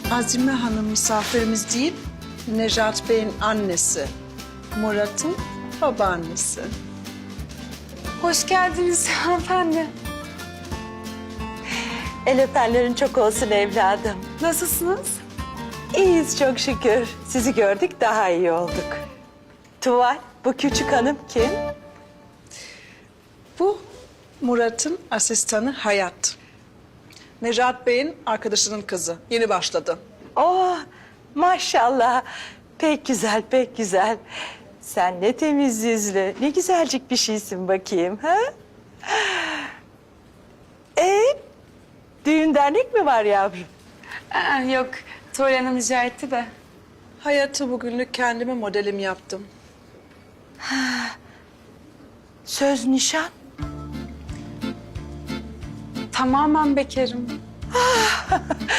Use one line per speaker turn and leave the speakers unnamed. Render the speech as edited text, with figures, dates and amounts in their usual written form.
Azime Hanım misafirimiz değil, Nejat Bey'in annesi. Murat'ın babaannesi.
Hoş geldiniz hanımefendi.
El öpenlerin çok olsun evladım.
Nasılsınız?
İyiyiz çok şükür. Sizi gördük daha iyi olduk. Tuval, bu küçük hanım kim?
Bu Murat'ın asistanı Hayat. Nejat Bey'in arkadaşının kızı. Yeni başladı.
Oh maşallah. Pek güzel, pek güzel. Sen ne temiz yüzlü, ne güzelcik bir şeysin bakayım. Ha? Düğün dernek mi var yavrum?
Yok, Tuğrul Hanım rica etti de.
Hayat'ı bugünlük kendime modelim yaptım.
Söz nişan.
Tamamen bekarım.